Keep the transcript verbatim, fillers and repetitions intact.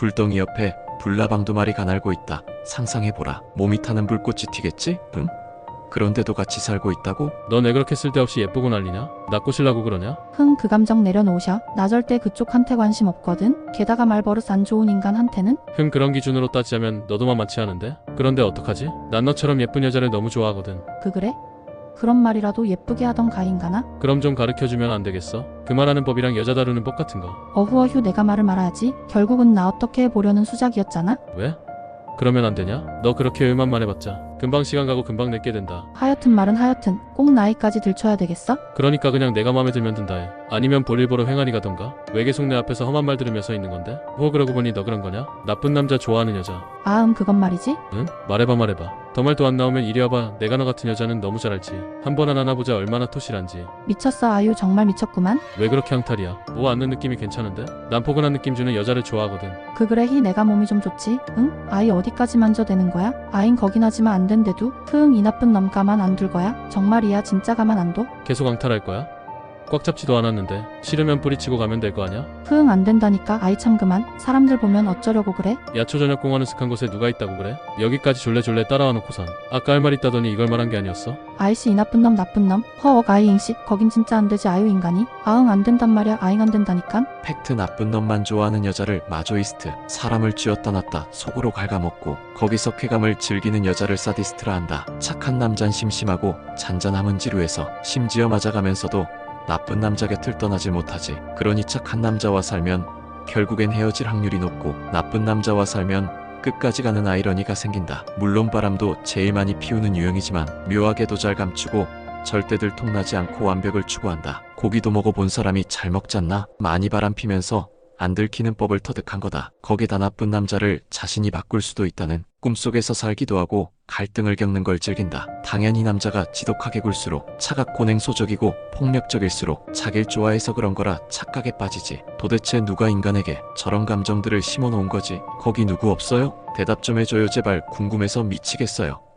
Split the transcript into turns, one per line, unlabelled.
불덩이 옆에 불나방 두 마리가 날고 있다. 상상해보라. 몸이 타는 불꽃이 튀겠지? 응? 그런데도 같이 살고 있다고?
넌 왜 그렇게 쓸데없이 예쁘고 난리냐? 나 꼬실라고 그러냐?
흥, 그 감정 내려놓으셔. 나 절대 그쪽한테 관심 없거든. 게다가 말버릇 안 좋은 인간한테는?
흥, 그런 기준으로 따지자면 너도 만만치 않은데? 그런데 어떡하지? 난 너처럼 예쁜 여자를 너무 좋아하거든.
그 그래? 그런 말이라도 예쁘게 하던 가인가나?
그럼 좀 가르쳐주면 안 되겠어? 그 말하는 법이랑 여자 다루는 법 같은 거.
어후어휴, 내가 말을 말아야지. 결국은 나 어떻게 해보려는 수작이었잖아?
왜? 그러면 안 되냐? 너 그렇게 의만만 해봤자 금방 시간 가고 금방 늙게 된다.
하여튼 말은 하여튼 꼭 나이까지 들춰야 되겠어?
그러니까 그냥 내가 마음에 들면 든다 해. 아니면 볼일 보러 횡하니 가던가. 왜 계속 내 앞에서 험한 말 들으며 서 있는 건데? 뭐 그러고 보니 너 그런 거냐? 나쁜 남자 좋아하는 여자.
아, 음, 그건 말이지.
응? 말해봐 말해봐. 더 말도 안 나오면 이리 와봐. 내가 너 같은 여자는 너무 잘 알지. 한 번 하나 보자 얼마나 토실한지.
미쳤어. 아유, 정말 미쳤구만.
왜 그렇게 항탈이야? 뭐 앉는 느낌이 괜찮은데? 난 포근한 느낌 주는 여자를 좋아하거든.
그 그래, 히 내가 몸이 좀 좋지. 응? 아이 어디까지 만져대는 거야? 아인 거긴 하지만 안 된대도. 흥, 이 나쁜 놈 가만 안 둘 거야? 정말이야, 진짜 가만 안 둬?
계속 항탈할 거야? 꽉 잡지도 않았는데 싫으면 뿌리치고 가면 될 거 아냐?
흥, 안 된다니까. 아이 참 그만. 사람들 보면 어쩌려고 그래?
야초 저녁 공원 으슥한 곳에 누가 있다고 그래? 여기까지 졸래졸래 따라와 놓고선 아까 할 말 있다더니 이걸 말한 게 아니었어?
아이씨, 이 나쁜 놈 나쁜 놈. 허억 아이 잉씨. 거긴 진짜 안 되지. 아유 인간이. 아응, 안 된단 말이야. 아잉 안 된다니깐.
팩트. 나쁜 놈만 좋아하는 여자를 마조이스트, 사람을 쥐었다 놨다 속으로 갉아먹고 거기서 쾌감을 즐기는 여자를 사디스트라 한다. 착한 남잔 심심하고 잔잔함은 지루해서 심지어 맞아가면서도 나쁜 남자 곁을 떠나질 못하지. 그러니 착한 남자와 살면 결국엔 헤어질 확률이 높고 나쁜 남자와 살면 끝까지 가는 아이러니가 생긴다. 물론 바람도 제일 많이 피우는 유형이지만 묘하게도 잘 감추고 절대 들통나지 않고 완벽을 추구한다. 고기도 먹어본 사람이 잘 먹잖나? 많이 바람 피면서 안 들키는 법을 터득한 거다. 거기다 나쁜 남자를 자신이 바꿀 수도 있다는 꿈속에서 살기도 하고 갈등을 겪는 걸 즐긴다. 당연히 남자가 지독하게 굴수록 차갑고 냉소적이고 폭력적일수록 자길 좋아해서 그런 거라 착각에 빠지지. 도대체 누가 인간에게 저런 감정들을 심어놓은 거지? 거기 누구 없어요? 대답 좀 해줘요 제발. 궁금해서 미치겠어요.